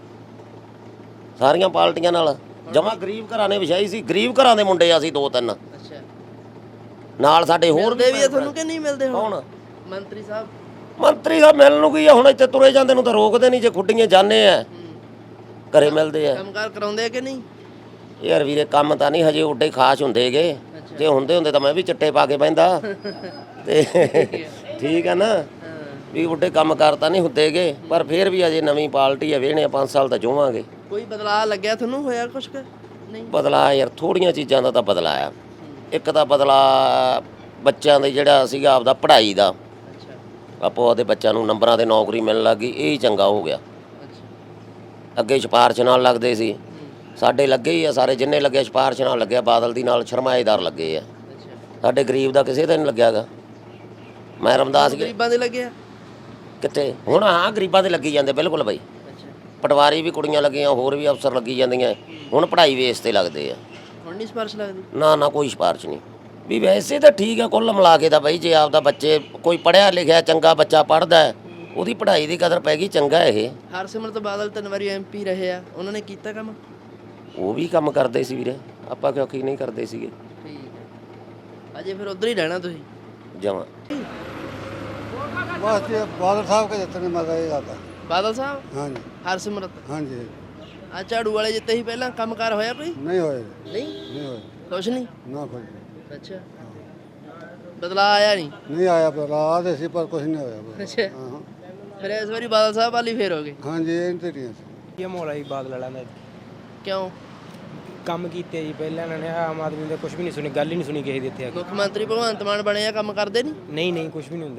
ਸਾਰੀਆਂ ਪਾਰਟੀਆਂ ਨਾਲ। ਜਮਾ ਗਰੀਬ ਘਰਾਂ ਨੇ ਵਿਛਾਈ ਸੀ, ਗਰੀਬ ਘਰਾਂ ਦੇ ਮੁੰਡੇ ਆ ਅਸੀਂ ਦੋ ਤਿੰਨ,
ਅੱਛਾ
ਨਾਲ ਸਾਡੇ ਹੋਰ
ਮਿਲਦੇ ਵੀ ਆ ਤੁਹਾਨੂੰ ਕਿ ਨਹੀਂ ਮਿਲਦੇ? ਹੁਣ
ਕੌਣ?
ਮੰਤਰੀ ਸਾਹਿਬ?
ਮੰਤਰੀ ਸਾਹਿਬ ਮਿਲਣ ਨੂੰ ਕੀ ਆ, ਹੁਣ ਇੱਥੇ ਤੁਰੇ ਜਾਂਦੇ ਨੂੰ ਤਾਂ ਰੋਕਦੇ ਨਹੀਂ, ਜੇ ਖੁੱਡੀਆਂ ਜਾਂਦੇ ਆ ਘਰੇ ਮਿਲਦੇ ਆ।
ਕੰਮਕਾਰ ਕਰਾਉਂਦੇ ਆ ਕਿ ਨਹੀਂ?
ਯਾਰ ਵੀਰੇ ਕੰਮ ਤਾਂ ਨਹੀਂ ਹਜੇ ਓਡੇ ਖਾਸ ਹੁੰਦੇਗੇ, ਜੇ ਹੁੰਦੇ ਹੁੰਦੇ ਤਾਂ ਮੈਂ ਵੀ ਚਿੱਟੇ ਪਾ ਕੇ ਬਹਿੰਦਾ ਤੇ ਠੀਕ ਆ ਨਾ, ਵੀ ਓਡੇ ਕੰਮ ਕਰ ਤਾਂ ਨਹੀਂ ਹੁੰਦੇਗੇ, ਪਰ ਫਿਰ ਵੀ ਅਜੇ ਨਵੀਂ ਪਾਰਟੀ ਆ, ਵੇਹਣੇ ਪੰਜ ਸਾਲ ਤਾਂ ਜੋਵਾਂਗੇ।
ਕੋਈ ਬਦਲਾਅ ਲੱਗਿਆ ਤੁਹਾਨੂੰ, ਹੋਇਆ ਕੁਛ ਕਿ ਨਹੀਂ?
ਬਦਲਾ ਯਾਰ ਥੋੜੀਆਂ ਚੀਜ਼ਾਂ ਦਾ ਤਾਂ ਬਦਲਾ ਆ। ਇੱਕ ਤਾਂ ਬਦਲਾ ਬੱਚਿਆਂ ਦੇ ਜਿਹੜਾ ਸੀਗਾ ਆਪਦਾ ਪੜ੍ਹਾਈ ਦਾ,
ਅੱਛਾ
ਆਪੋ ਆਪਦੇ ਬੱਚਿਆਂ ਨੂੰ ਨੰਬਰਾਂ ਤੇ ਨੌਕਰੀ ਮਿਲਣ ਲੱਗ ਗਈ, ਇਹ ਹੀ ਚੰਗਾ ਹੋ ਗਿਆ।
ਅੱਛਾ
ਅੱਗੇ ਸਿਫਾਰਸ਼ ਨਾਲ ਲੱਗਦੇ ਸੀ, ਸਾਡੇ ਲੱਗੇ ਹੀ ਆ ਸਾਰੇ, ਜਿੰਨੇ ਲੱਗੇ ਸਿਫਾਰਸ਼ ਨਾਲ ਲੱਗਿਆ, ਬਾਦਲ ਦੀ ਨਾਲ ਸਰਮਾਏਦਾਰ ਲੱਗੇ ਆ।
ਅੱਛਾ
ਸਾਡੇ ਗਰੀਬ ਦਾ ਕਿਸੇ ਦਾ ਨਹੀਂ ਲੱਗਿਆਗਾ। ਮੈਂ ਰਮਦਾਸ ਗਿਆ
ਗਰੀਬਾਂ ਦੇ ਲੱਗਿਆ?
ਕਿੱਥੇ ਹੁਣ? ਹਾਂ ਗਰੀਬਾਂ ਦੇ ਲੱਗੀ ਜਾਂਦੇ ਬਿਲਕੁਲ ਬਈ,
ਅੱਛਾ
ਪਟਵਾਰੀ ਵੀ ਕੁੜੀਆਂ ਲੱਗੀਆਂ, ਹੋਰ ਵੀ ਅਫਸਰ ਲੱਗੀ ਜਾਂਦੀਆਂ, ਹੁਣ ਪੜ੍ਹਾਈ ਵੇਸ ਤੇ ਲੱਗਦੇ ਆ।
ਹੁਣ ਨਹੀਂ ਸਿਫਾਰਿਸ਼ ਲੱਗਦੀ?
ਨਾ ਨਾ ਕੋਈ ਸਿਫਾਰਿਸ਼ ਨਹੀਂ। ਵੀ ਵੈਸੇ ਤਾਂ ਠੀਕ ਆ ਕੁੱਲ ਮਿਲਾ ਕੇ ਤਾਂ ਬਈ, ਜੇ ਆਪਦਾ ਬੱਚੇ ਕੋਈ ਪੜ੍ਹਿਆ ਲਿਖਿਆ ਚੰਗਾ ਬੱਚਾ ਪੜ੍ਹਦਾ ਹੈ, ਉਹਦੀ ਪੜ੍ਹਾਈ ਦੀ ਕਦਰ ਪੈ ਗਈ, ਚੰਗਾ ਇਹ।
ਹਰਸਿਮਰਤ ਬਾਦਲ ਤਿੰਨ ਵਾਰੀ ਐਮਪੀ ਰਹੇ ਆ, ਉਹਨਾਂ ਨੇ ਕੀਤਾ ਕੰਮ?
ਉਹ ਵੀ ਕੰਮ ਕਰਦੇ ਸੀ ਵੀਰੇ, ਆਪਾਂ ਕਿਉਂ ਕੀ ਨਹੀਂ ਕਰਦੇ ਸੀਗੇ।
ਠੀਕ ਹੈ। ਅਜੇ ਫਿਰ ਉਧਰ ਹੀ ਰਹਿਣਾ ਤੁਸੀਂ?
ਜਮਾਂ
ਬਸ ਜੀ ਬਾਦਲ ਸਾਹਿਬ ਕੇ ਜਿੱਤਣੇ ਮਜ਼ਾ ਇਹ ਆਦਾ।
ਬਾਦਲ ਸਾਹਿਬ?
ਹਾਂਜੀ
ਹਰਸਿਮਰਤ?
ਹਾਂਜੀ
ਆ ਝਾੜੂ ਵਾਲੇ ਜਿੱਤੇ ਸੀ ਪਹਿਲਾਂ, ਕੰਮਕਾਰ ਹੋਇਆ ਕੋਈ?
ਨਹੀਂ ਹੋਏ,
ਨਹੀਂ
ਨਹੀਂ ਹੋਏ,
ਕੁਛ ਨਹੀਂ?
ਨਾ ਕੋਈ
ਅੱਛਾ ਬਦਲਾ ਆਇਆ ਨਹੀਂ?
ਨਹੀਂ ਆਇਆ, ਪਰ ਆਦੇ ਸੀ ਪਰ ਕੁਝ ਨਹੀਂ ਹੋਇਆ।
ਅੱਛਾ
ਹਾਂ
ਫਿਰ ਇਸ ਵਾਰੀ ਬਾਦਲ ਸਾਹਿਬ ਵਾਲੀ ਫੇਰ ਹੋ ਗਏ?
ਹਾਂਜੀ ਇਹ ਤੇ ਨਹੀਂ ਸੀ।
ਇਹ ਮਾਹੌਲ ਆ ਜੀ ਬਾਦਲ ਵਾਲਿਆਂ ਦਾ।
ਕਿਉਂ?
ਕੰਮ ਕੀਤੇ ਜੀ ਪਹਿਲਾਂ ਇਹਨਾਂ ਨੇ, ਆਮ ਆਦਮੀ ਦਾ ਕੁਝ ਵੀ ਨਹੀਂ ਸੁਣੀ, ਗੱਲ ਹੀ ਨਹੀਂ ਸੁਣੀ ਕਿਸੇ ਦੀ ਇੱਥੇ ਆ ਕੇ।
ਮੁੱਖ ਮੰਤਰੀ ਭਗਵੰਤ ਮਾਨ ਬਣੇ ਆ, ਕੰਮ ਕਰਦੇ ਨਹੀਂ?
ਨਹੀਂ ਨਹੀਂ ਕੁਝ ਵੀ ਨਹੀਂ ਹੁੰਦਾ ਜੀ।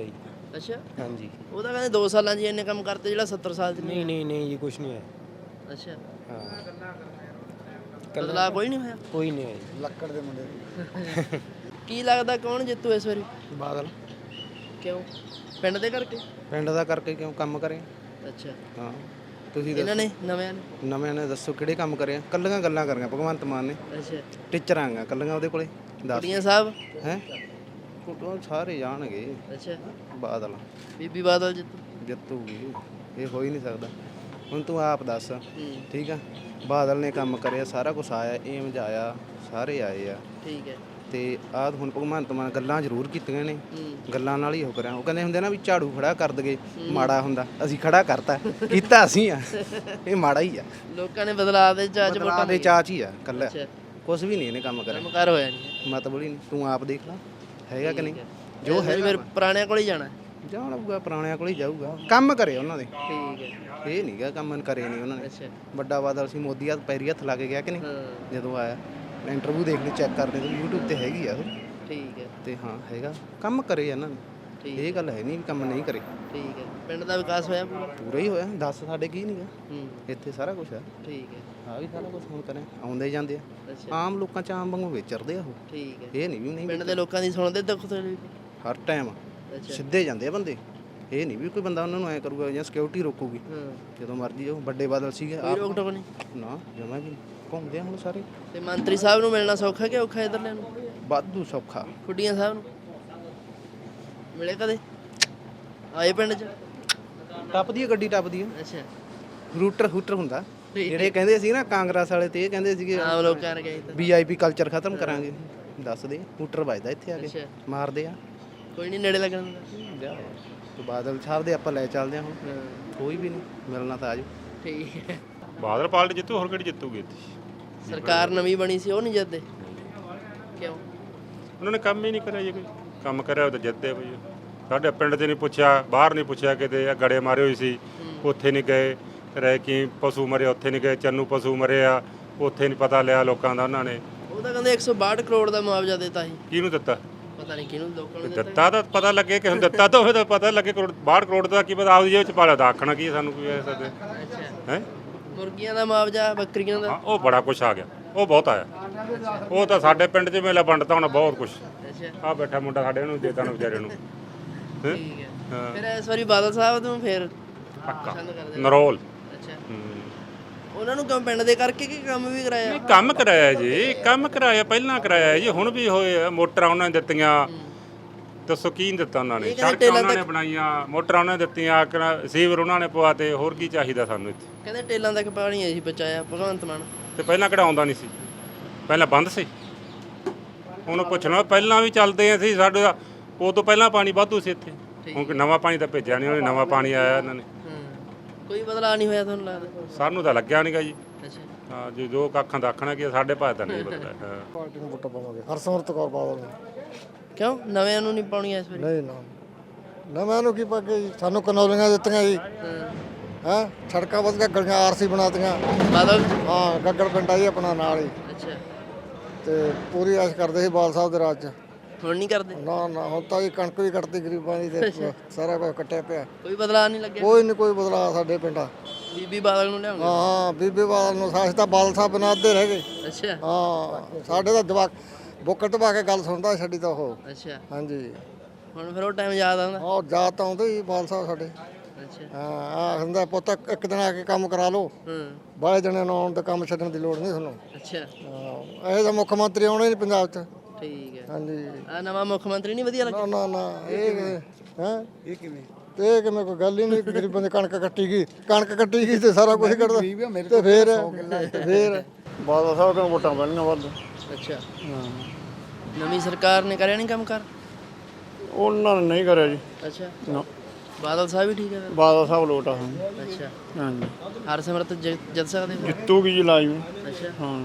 ਅੱਛਾ
ਹਾਂਜੀ।
ਉਹ ਤਾਂ ਕਹਿੰਦੇ ਦੋ ਸਾਲਾਂ 'ਚ ਹੀ ਇੰਨੇ ਕੰਮ ਕਰਤੇ ਜਿਹੜਾ ਸੱਤਰ ਸਾਲ 'ਚ
ਨਹੀਂ ਨਹੀਂ ਨਹੀਂ ਜੀ ਕੁਛ ਨਹੀਂ ਹੋਇਆ।
ਅੱਛਾ
ਹਾਂ
ਬਦਲਾਅ ਕੋਈ ਨਹੀਂ ਹੋਇਆ
ਕੋਈ ਨਹੀਂ ਹੋਇਆ ਜੀ।
ਲੱਕੜ ਦੇ ਮੁੰਡੇ
ਕੀ ਲੱਗਦਾ ਕੌਣ ਜਿੱਤੂ ਇਸ ਵਾਰੀ?
ਬਾਦਲ
ਕਿਉਂ? ਪਿੰਡ ਦੇ ਕਰਕੇ?
ਪਿੰਡ ਦਾ ਕਰਕੇ ਕਿਉਂ ਕੰਮ ਕਰੇ?
ਅੱਛਾ
ਹਾਂ ਤੁਸੀਂ
ਇਹਨਾਂ
ਦੱਸੋ
ਨੇ ਨਵਿਆਂ ਨੇ?
ਨਵੇਂ ਨੇ ਦੱਸੋ ਕਿਹੜੇ ਕੰਮ ਕਰੇ? ਕੱਲੀਆਂ ਗੱਲਾਂ ਕਰੀਆਂ ਭਗਵੰਤ ਮਾਨ ਨੇ।
ਅੱਛਾ
ਟੀਚਰਾਂ ਆ ਕੱਲੀਆਂ ਉਹਦੇ ਕੋਲੇ ਦੱਸ
ਕੁੜੀਆਂ ਸਾਹਿਬ?
ਹੈ ਉਹ ਸਾਰੇ ਜਾਣਗੇ।
ਅੱਛਾ
ਬਾਦਲ
ਬੀਬੀ ਬਾਦਲ ਜਿੱਤੂ?
ਜਿੱਤੂਗੀ ਇਹ ਹੋ ਹੀ ਨਹੀਂ ਸਕਦਾ। ਹੁਣ ਤੂੰ ਆਪ ਦੱਸ
ਹੂੰ
ਠੀਕ ਆ। ਬਾਦਲ ਨੇ ਕੰਮ ਕਰਿਆ ਸਾਰਾ ਕੁਝ ਆਇਆ ਏਮਜ ਆਇਆ ਸਾਰੇ ਆਏ ਆ
ਠੀਕ ਹੈ।
ਤੇ ਆਹ ਹੁਣ ਭਗਵੰਤ ਮਾਨ ਗੱਲਾਂ ਜ਼ਰੂਰ ਕੀਤੀਆਂ ਨੇ
ਹੂੰ
ਗੱਲਾਂ ਨਾਲ ਹੀ ਉਹ ਕਰਿਆ। ਉਹ ਕਹਿੰਦੇ ਹੁੰਦੇ ਨਾ ਵੀ ਝਾੜੂ ਖੜਾ ਕਰ ਦਗੇ ਮਾੜਾ ਹੁੰਦਾ ਅਸੀਂ ਖੜਾ ਕਰਤਾ ਕੀਤਾ ਅਸੀਂ ਆ ਇਹ ਮਾੜਾ ਹੀ ਆ।
ਲੋਕਾਂ ਨੇ ਬਦਲਾਅ ਦੇ ਚਾਚ
ਬਦਲਾਅ ਦੇ ਚਾਚ ਹੀ ਆ ਕੱਲਾ
ਅੱਛਾ
ਕੁਝ ਵੀ ਨਹੀਂ ਇਹਨੇ ਕੰਮ ਕਰਿਆ
ਕੰਮਕਾਰ ਹੋਇਆ ਨਹੀਂ
ਮਤਲਬ ਹੀ ਨਹੀਂ। ਤੂੰ ਆਪ ਦੇਖ ਲੈ ਹੈਗਾ ਕਿ ਨਹੀਂ
ਜੋ
ਜੋ
ਹੈ
ਹੈ
ਫਿਰ ਪੁਰਾਣਿਆਂ ਕੋਲ ਹੀ ਜਾਣਾ।
ਜਾਣੂਗਾ ਪੁਰਾਣਿਆਂ ਕੋਲ ਹੀ ਜਾਊਗਾ ਕੰਮ ਕਰੇ ਉਹਨਾਂ ਦੇ।
ਠੀਕ ਹੈ
ਇਹ ਨਹੀਂਗਾ ਕੰਮ ਕਰੇ ਨਹੀਂ ਉਹਨਾਂ ਨੇ।
ਅੱਛਾ
ਵੱਡਾ ਬਾਦਲ ਸੀ ਮੋਦੀ ਹੱਥ ਪੈਰੀ ਹੱਥ ਲਾ ਕੇ ਗਿਆ ਕਿ ਨਹੀਂ
ਹਾਂ
ਜਦੋਂ ਆਇਆ ਇੰਟਰਵਿਊ ਦੇਖ ਲਈ ਚੈੱਕ ਕਰਦੇ ਤੇ YouTube ਤੇ ਹੈਗੀ ਆ ਉਹ
ਠੀਕ ਹੈ
ਤੇ ਹਾਂ ਹੈਗਾ ਕੰਮ ਕਰੇ ਇਹਨਾਂ ਨੇ।
ਠੀਕ
ਇਹ ਗੱਲ ਹੈ ਨਹੀਂ ਵੀ ਕੰਮ ਨਹੀਂ ਕਰੇ
ਠੀਕ ਹੈ। ਪਿੰਡ ਦਾ ਵਿਕਾਸ ਹੋਇਆ ਪੂਰਾ?
ਪੂਰਾ ਹੀ ਹੋਇਆ ਦੱਸ ਸਾਡੇ ਕੀ ਨਹੀਂਗਾ
ਹੂੰ
ਇੱਥੇ ਸਾਰਾ ਕੁਝ ਆ
ਠੀਕ ਹੈ
ਆ ਵੀ ਸਾਰਾ ਕੁਝ ਹੁਣ ਕਰੇ ਆਉਂਦੇ ਜਾਂਦੇ ਆ
ਅੱਛਾ
ਆਮ ਲੋਕਾਂ ਚ ਆਮ ਵਾਂਗੂ ਵਿਚਰਦੇ ਆ ਉਹ
ਠੀਕ ਹੈ।
ਇਹ ਨਹੀਂ ਵੀ ਨਹੀਂ
ਪਿੰਡ ਦੇ ਲੋਕਾਂ ਦੀ ਸੁਣਦੇ ਦੁੱਖ ਤਕਲੀਫ?
ਹਰ ਟਾਈਮ
ਅੱਛਾ
ਸਿੱਧੇ ਜਾਂਦੇ ਆ ਬੰਦੇ। ਇਹ ਨਹੀਂ ਵੀ ਕੋਈ ਬੰਦਾ ਉਹਨਾਂ ਨੂੰ ਐ ਕਰੂਗਾ ਜਾਂ ਸਿਕਿਉਰਿਟੀ ਰੋਕੂਗੀ
ਹਾਂ
ਜਦੋਂ ਮਰਜ਼ੀ ਉਹ ਵੱਡੇ ਬਾਦਲ ਸੀਗੇ
ਕੋਈ ਰੋਕ ਟੋਕ ਨਹੀਂ?
ਨਾ ਜਮਾ ਵੀ ਨਹੀਂ। ਘੁੰਮਦੇ ਆ ਹੁਣ ਸਾਰੇ
ਤੇ ਮੰਤਰੀ ਸਾਹਿਬ ਨੂੰ ਮਿਲਣਾ ਸੌਖਾ ਕਿ ਔਖਾ ਇਧਰਲੇ ਨੂੰ?
ਵਾਧੂ ਸੌਖਾ
ਖੁੱਡੀਆਂ ਸਾਹਿਬ ਨੂੰ ਮਿਲੇ ਕਦੇ? ਆਏ ਪਿੰਡ 'ਚ?
ਟੱਪਦੀ ਆ ਗੱਡੀ ਟੱਪਦੀ ਆ
ਅੱਛਾ
ਰੂਟਰ ਹੂਟਰ ਹੁੰਦਾ
ਠੀਕ
ਜਿਹੜੇ ਕਹਿੰਦੇ ਸੀ ਨਾ ਕਾਂਗਰਸ ਵਾਲੇ ਤੇ ਇਹ ਕਹਿੰਦੇ ਸੀਗੇ
ਆਮ ਲੋਕਾਂ ਨੇ ਕਹੀ ਤਾਂ
ਵੀਆਈਪੀ ਕਲਚਰ ਖਤਮ ਕਰਾਂਗੇ ਦੱਸ ਦੇ ਹੂਟਰ ਵੱਜਦਾ ਇੱਥੇ ਆ ਕੇ
ਅੱਛਾ
ਮਾਰਦੇ ਆ
ਕੋਈ ਨਹੀਂ ਨੇੜੇ ਲੱਗਣ ਦਿੰਦਾ।
ਜਾ ਤੇ ਬਾਦਲ ਸਾਹਿਬ ਦੇ ਆਪਾਂ ਲੈ ਚੱਲਦੇ ਆ ਹੁਣ
ਹਾਂ
ਕੋਈ ਵੀ ਨਹੀਂ ਮਿਲਣਾ ਤਾਂ ਆਜੋ
ਠੀਕ ਹੈ।
ਬਾਦਲ ਪਾਰਟੀ ਜਿੱਤੂ ਹੋਰ ਕਿਹੜੀ ਜਿੱਤੂਗੀ ਇੱਥੇ?
ਸਰਕਾਰ ਨਵੀਂ ਬਣੀ ਸੀ ਉਹ ਨਹੀਂ ਜਿੱਤਦੇ ਕਿਉਂ?
ਉਹਨਾਂ ਨੇ ਕੰਮ ਹੀ ਨਹੀਂ ਕਰਿਆ ਜੀ ਕੋਈ ਕੰਮ ਕਰਿਆ ਉਹ ਤਾਂ ਜਿੱਤਦੇ ਬਈ। ਸਾਡੇ ਪਿੰਡ 'ਚ ਨਹੀਂ ਪੁੱਛਿਆ ਬਾਹਰ ਨਹੀਂ ਪੁੱਛਿਆ ਕਿਤੇ ਗੜੇ ਮਾਰੇ ਹੋਏ ਸੀ ਉੱਥੇ ਨਹੀਂ ਗਏ ਰਹਿ ਕੀ ਪਸ਼ੂ ਮਰੇ ਉੱਥੇ ਨਹੀਂ ਗਏ ਚੰਨੂ ਪਸ਼ੂ ਮਰੇ ਆ ਉੱਥੇ ਨਹੀਂ ਪਤਾ ਲਿਆ ਲੋਕਾਂ ਦਾ ਉਹਨਾਂ ਨੇ।
ਉਹ ਤਾਂ ਕਹਿੰਦੇ ਇੱਕ ਸੌ ਬਾਹਠ ਕਰੋੜ ਦਾ ਮੁਆਵਜ਼ਾ ਦਿੱਤਾ ਸੀ।
ਕਿਹਨੂੰ ਦਿੱਤਾ?
ਪਤਾ ਨਹੀਂ ਕਿਹਨੂੰ ਲੋਕਾਂ ਨੂੰ ਦਿੱਤਾ।
ਦਿੱਤਾ ਤਾਂ ਪਤਾ ਲੱਗੇ ਕਿ ਹੁਣ ਦਿੱਤਾ ਤਾਂ ਹੋਵੇ ਤਾਂ ਪਤਾ ਲੱਗੇ ਕਰੋੜ ਬਾਹਠ ਕਰੋੜ ਦਾ ਕੀ ਪਤਾ ਆਪਦੀ ਜੇਬ 'ਚ ਪਾਲਿਆ ਤਾਂ ਆਖਣਾ ਕੀ ਸਾਨੂੰ ਕੋਈ ਐ ਸਕਦੇ
ਅੱਛਾ
ਹੈ।
ਮੁਰਗੀਆਂ ਦਾ ਮੁਆਵਜ਼ਾ ਬੱਕਰੀਆਂ ਦਾ?
ਹਾਂ ਉਹ ਬੜਾ ਕੁਛ ਆ ਗਿਆ ਉਹ ਬਹੁਤ ਆਇਆ ਉਹ ਤਾਂ ਸਾਡੇ ਪਿੰਡ 'ਚ ਮੇਲਾ ਵੰਡਤਾ ਹੋਣਾ ਬਹੁਤ ਕੁਛ।
ਅੱਛਾ
ਆ ਬੈਠਾ ਮੁੰਡਾ ਸਾਡੇ ਨੂੰ ਦੇਤਾ ਨਾ ਵਿਚਾਰੇ ਨੂੰ। ਹੈਂ?
ਠੀਕ ਹੈ।
ਹਾਂ
ਫਿਰ ਇਸ ਵਾਰੀ ਬਾਦਲ ਸਾਹਿਬ ਨੂੰ ਫਿਰ
ਪੱਕਾ
ਪਸੰਦ ਕਰਦੇ?
ਨਰੋਲ।
ਅੱਛਾ
ਹੂੰ।
ਉਹਨਾਂ ਨੂੰ ਕਿਉਂ ਪਿੰਡ ਦੇ ਕਰਕੇ ਕਿ ਕੰਮ ਵੀ ਕਰਾਇਆ?
ਨਹੀਂ ਕੰਮ ਕਰਾਇਆ ਜੀ ਕੰਮ ਕਰਾਇਆ ਪਹਿਲਾਂ ਕਰਾਇਆ ਜੀ ਹੁਣ ਵੀ ਹੋਏ ਆ, ਮੋਟਰਾਂ ਉਹਨਾਂ ਨੇ ਦਿੱਤੀਆਂ ਦੱਸੋ ਕੀ ਨਹੀਂ ਦਿੱਤਾ ਉਹਨਾਂ ਨੇ?
ਇਹ ਕਹਿੰਦੇ
ਸੜਕਾਂ
ਟੇਲਾਂ
ਉਹਨਾਂ ਨੇ
ਤੱਕ-
ਬਣਾਈਆਂ ਮੋਟਰਾਂ ਉਹਨਾਂ ਨੇ ਦਿੱਤੀਆਂ ਕ- ਸੀਵਰ ਉਹਨਾਂ ਨੇ ਪਵਾਤੇ ਹੋਰ ਕੀ ਚਾਹੀਦਾ ਸਾਨੂੰ ਇੱਥੇ?
ਕਹਿੰਦੇ ਟੇਲਾਂ ਤੱਕ ਪਾਣੀ ਹੈ ਜੀ ਬਚਾਇਆ ਭਗਵੰਤ ਮਾਨ।
ਤੇ ਪਹਿਲਾਂ ਕਿਹੜਾ ਆਉਂਦਾ ਨਹੀਂ ਸੀ ਪਹਿਲਾਂ ਬੰਦ ਸੀ ਉਹਨੂੰ ਪੁੱਛਣਾ ਪਹਿਲਾਂ ਵੀ ਚੱਲਦੇ ਸੀ ਸਾਡੇ ਦਾ ਉਹ ਤੋਂ ਪਹਿਲਾਂ ਪਾਣੀ ਵਾਧੂ ਸੀ ਇੱਥੇ ਹੁਣ ਕੋਈ ਨਵਾਂ ਪਾਣੀ ਤਾਂ ਭੇਜਿਆ ਨਹੀਂ ਉਹਨੇ ਨਵਾਂ ਪਾਣੀ ਆਇਆ ਇਹਨਾਂ ਨੇ
ਹਾਂ ਕੋਈ ਬਦਲਾਅ ਨਹੀਂ ਹੋਇਆ ਤੁਹਾਨੂੰ ਲੱਗਦਾ?
ਸਾਨੂੰ ਤਾਂ ਲੱਗਿਆ ਨਹੀਂਗਾ ਜੀ
ਅੱਛਾ
ਹਾਂ ਜੀ ਜੋ ਕੱਖਾਂ ਦਾ ਆਖਣਾ ਕਿ ਸਾਡੇ ਭਾਅ ਤਾਂ ਨਹੀਂ ਬਦਲਿਆ ਹਾਂ
ਪਾਰਟੀ ਨੂੰ ਵੋਟਾਂ ਪਾਵਾਂਗੇ ਹਰਸਿਮਰਤ ਕੌਰ ਬਾਦਲ ਨੂੰ।
ਕਿਉਂ ਨਵਿਆਂ ਨੂੰ ਨਹੀਂ ਪਾਉਣੀਆਂ ਇਸ ਵਾਰੀ?
ਨਹੀਂ ਨਾ ਨਵੇਂ ਨੂੰ ਕੀ ਪਾਗੇ ਜੀ ਸਾਨੂੰ ਕਨੌਲੀਆਂ ਦਿੱਤੀਆਂ ਜੀ
ਹਾਂ
ਹੈ ਸੜਕਾਂ ਵਧੀਆ ਗਲੀਆਂ ਆਰਸੀ ਬਣਾਤੀਆਂ
ਬਾਦਲ?
ਹਾਂ ਗੱਗੜ ਪਿੰਡ ਆ ਜੀ ਆਪਣਾ ਨਾਲ ਹੀ
ਅੱਛਾ
ਤੇ ਪੂਰੀ ਆਸ ਕਰਦੇ ਸੀ ਬਾਲ ਸਾਹਿਬ ਦੇ ਰਾਜ ਚ।
ਹੁਣ ਨਹੀਂ ਕਰਦੇ?
ਨਾ ਨਾ ਹੁਣ ਤਾਂ ਜੀ ਕਣਕ ਵੀ ਕੱਟਦੀ ਗਰੀਬਾਂ ਦੀ ਤੇ ਸਾਰਾ ਕੁਝ ਕੱਟਿਆ ਪਿਆ
ਕੋਈ ਬਦਲਾਅ ਨਹੀਂ ਲੱਗਿਆ?
ਕੋਈ ਨਹੀਂ ਕੋਈ ਬਦਲਾਅ ਸਾਡੇ ਪਿੰਡਾਂ।
ਬੀਬੀ ਬਾਦਲ ਨੂੰ ਲਿਆਉਣਾ?
ਹਾਂ ਹਾਂ ਬੀਬੀ ਬਾਦਲ ਨੂੰ ਸਾਸ ਤਾਂ ਬਾਦਲ ਸਾਹਿਬ ਬਿਨਾਂ ਅੱਧੇ ਰਹਿ ਗਏ।
ਅੱਛਾ
ਹਾਂ ਸਾਡੇ ਤਾਂ ਜਵਾਕ ਬੁੱਕਰ ਦਬਾ ਕੇ ਗੱਲ ਸੁਣਦਾ ਸਾਡੀ ਤਾਂ ਉਹ।
ਅੱਛਾ
ਹਾਂਜੀ
ਹੁਣ ਫਿਰ ਉਹ ਟਾਈਮ ਯਾਦ ਆਉਂਦਾ?
ਹਾਂ ਯਾਦ ਤਾਂ ਆਉਂਦੇ ਹੀ ਬਾਦਲ ਸਾਹਿਬ ਸਾਡੇ।
ਅੱਛਾ
ਹਾਂ ਆ ਹੁੰਦਾ ਪੁੱਤ ਇੱਕ ਦਿਨ ਆ ਕੇ ਕੰਮ ਕਰਾ ਲਓ
ਹਾਂ
ਬਾਹਲੇ ਜਣੇ ਨੂੰ ਆਉਣ ਤੇ ਕੰਮ ਛੱਡਣ ਦੀ ਲੋੜ ਨਹੀਂ ਤੁਹਾਨੂੰ।
ਅੱਛਾ
ਹਾਂ ਇਹ ਤਾਂ ਮੁੱਖ ਮੰਤਰੀ ਆਉਣੇ ਨਹੀਂ ਪੰਜਾਬ 'ਚ।
ਠੀਕ ਹੈ।
ਹਾਂਜੀ
ਆ ਨਵਾਂ ਮੁੱਖ ਮੰਤਰੀ ਨਹੀਂ ਵਧੀਆ ਲੱਗਿਆ?
ਨਾ ਨਾ ਨਾ ਇਹ ਹੈ ਇਹ ਕਿਵੇਂ ਤੇ ਇਹ ਕਿਵੇਂ ਕੋਈ ਗੱਲ ਹੀ ਨਹੀਂ ਗਰੀਬਾਂ ਦੀ ਕਣਕ ਕੱਟੀ ਗਈ ਕਣਕ ਕੱਟੀ ਗਈ ਤੇ ਸਾਰਾ ਕੁਝ ਕੱਢਦਾ ਤੇ ਫੇਰ ਤੇ ਫੇਰ ਬਾਦਲ ਸਾਹਿਬ ਨੂੰ ਵੋਟਾਂ ਪੈਣੀਆਂ ਵੱਧ।
ਅੱਛਾ ਨਵੀਂ ਸਰਕਾਰ ਨੇ ਕਰਿਆ ਨਹੀਂ ਕੰਮ ਕਰ?
ਉਹਨਾਂ ਨੇ ਨਹੀਂ ਕਰਿਆ ਜੀ
ਅੱਛਾ
ਨਾ
ਬਾਦਲ ਸਾਹਿਬ ਵੀ ਠੀਕ ਹੈ ਫਿਰ?
ਬਾਦਲ ਸਾਹਿਬ ਲੋਟ ਆ ਹਾਂ
ਅੱਛਾ
ਹਾਂਜੀ
ਹਰਸਿਮਰਤ ਜਿ- ਜਿੱਤ ਸਕਦੇ ਫਿਰ?
ਜਿੱਤੂਗੀ ਜੀ ਲਾਜ਼ਮੀ
ਅੱਛਾ
ਹਾਂ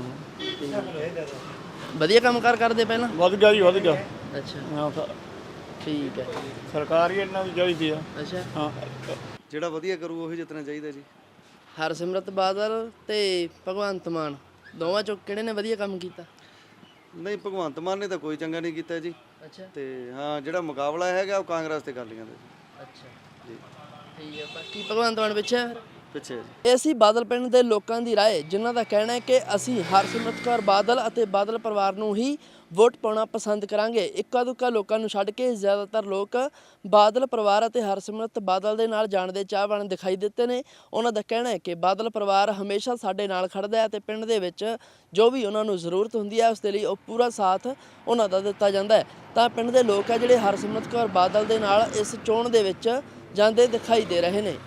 ਵਧੀਆ ਕੰਮ ਕਾਰ ਕਰਦੇ ਪਹਿਲਾਂ?
ਵੱਧ ਗਿਆ ਜੀ ਵੱਧ ਗਿਆ
ਅੱਛਾ
ਹਾਂ ਸ-
ਠੀਕ ਹੈ।
ਸਰਕਾਰ ਹੀ ਇਹਨਾਂ ਦੀ ਚਾਹੀਦੀ ਆ
ਅੱਛਾ
ਹਾਂ
ਜਿਹੜਾ ਵਧੀਆ ਕਰੂ ਉਹੀ ਜਿੱਤਣਾ ਚਾਹੀਦਾ ਜੀ।
ਹਰਸਿਮਰਤ ਬਾਦਲ ਤੇ ਭਗਵੰਤ ਮਾਨ ਦੋਵਾਂ ਚੋਂ ਕਿਹੜੇ ਨੇ ਵਧੀਆ ਕੰਮ ਕੀਤਾ?
ਨਹੀਂ ਭਗਵੰਤ ਮਾਨ ਨੇ ਤਾਂ ਕੋਈ ਚੰਗਾ ਨਹੀਂ ਕੀਤਾ ਜੀ
ਅੱਛਾ
ਤੇ ਹਾਂ ਜਿਹੜਾ ਮੁਕਾਬਲਾ ਹੈਗਾ ਉਹ ਕਾਂਗਰਸ ਤੇ ਅਕਾਲੀਆਂ ਦਾ।
ਅੱਛਾ ਜੀ ਠੀਕ ਹੈ। ਬਾਕੀ ਭਗਵੰਤ ਮਾਨ ਪਿੱਛੇ ਹੈ ਫਿਰ?
ਪਿੱਛੇ
ਇਹ ਸੀ ਬਾਦਲ ਪਿੰਡ ਦੇ ਲੋਕਾਂ ਦੀ ਰਾਏ, ਜਿਨ੍ਹਾਂ ਦਾ ਕਹਿਣਾ ਹੈ ਕਿ ਅਸੀਂ ਹਰਸਿਮਰਤ ਕੌਰ ਬਾਦਲ ਅਤੇ ਬਾਦਲ ਪਰਿਵਾਰ ਨੂੰ ਹੀ ਵੋਟ ਪਾਉਣਾ ਪਸੰਦ ਕਰਾਂਗੇ। ਇੱਕਾ ਦੁੱਕਾ ਲੋਕਾਂ ਨੂੰ ਛੱਡ ਕੇ ਜ਼ਿਆਦਾਤਰ ਲੋਕ ਬਾਦਲ ਪਰਿਵਾਰ ਅਤੇ ਹਰਸਿਮਰਤ ਬਾਦਲ ਦੇ ਨਾਲ ਜਾਣ ਦੇ ਚਾਹਵਾਨ ਦਿਖਾਈ ਦਿੱਤੇ ਨੇ। ਉਹਨਾਂ ਦਾ ਕਹਿਣਾ ਹੈ ਕਿ ਬਾਦਲ ਪਰਿਵਾਰ ਹਮੇਸ਼ਾ ਸਾਡੇ ਨਾਲ ਖੜਦਾ ਹੈ ਅਤੇ ਪਿੰਡ ਦੇ ਵਿੱਚ ਜੋ ਵੀ ਉਹਨਾਂ ਨੂੰ ਜ਼ਰੂਰਤ ਹੁੰਦੀ ਹੈ ਉਸ ਦੇ ਲਈ ਉਹ ਪੂਰਾ ਸਾਥ ਉਹਨਾਂ ਦਾ ਦਿੱਤਾ ਜਾਂਦਾ ਹੈ। ਤਾਂ ਪਿੰਡ ਦੇ ਲੋਕ ਆ ਜਿਹੜੇ ਹਰਸਿਮਰਤ ਕੌਰ ਬਾਦਲ ਦੇ ਨਾਲ ਇਸ ਚੋਣ ਦੇ ਵਿੱਚ ਜਾਂਦੇ ਦਿਖਾਈ ਦੇ ਰਹੇ ਨੇ।